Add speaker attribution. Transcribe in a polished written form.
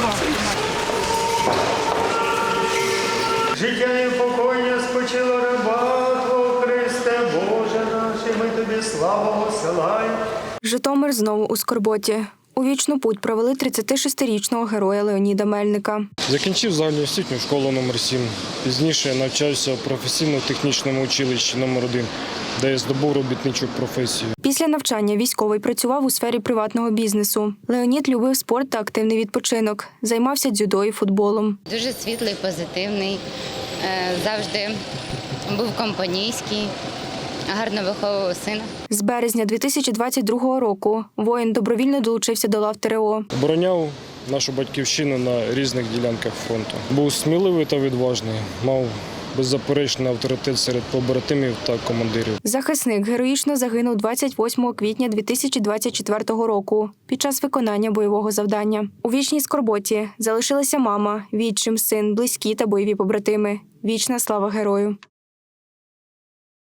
Speaker 1: Життя і покоєння спочило раба Твого, Христе, Боже наш, і ми Тобі славу посилаємо.
Speaker 2: Житомир знову у скорботі. У вічну путь провели 36-річного героя Леоніда Мельника.
Speaker 3: Закінчив загальноосвітню школу номер 7. Пізніше навчався в професійно-технічному училищі номер 1, де я здобув робітничу професію.
Speaker 2: Після навчання військовий працював у сфері приватного бізнесу. Леонід любив спорт та активний відпочинок. Займався дзюдо і футболом.
Speaker 4: Дуже світлий, позитивний, завжди був компанійський, гарно виховував сина.
Speaker 2: З березня 2022 року воїн добровільно долучився до лав ТрО.
Speaker 3: Обороняв нашу батьківщину на різних ділянках фронту. Був сміливий та відважний, мав беззаперечний авторитет серед побратимів та командирів.
Speaker 2: Захисник героїчно загинув 28 квітня 2024 року під час виконання бойового завдання. У вічній скорботі залишилася мама, відчим, син, близькі та бойові побратими. Вічна слава герою.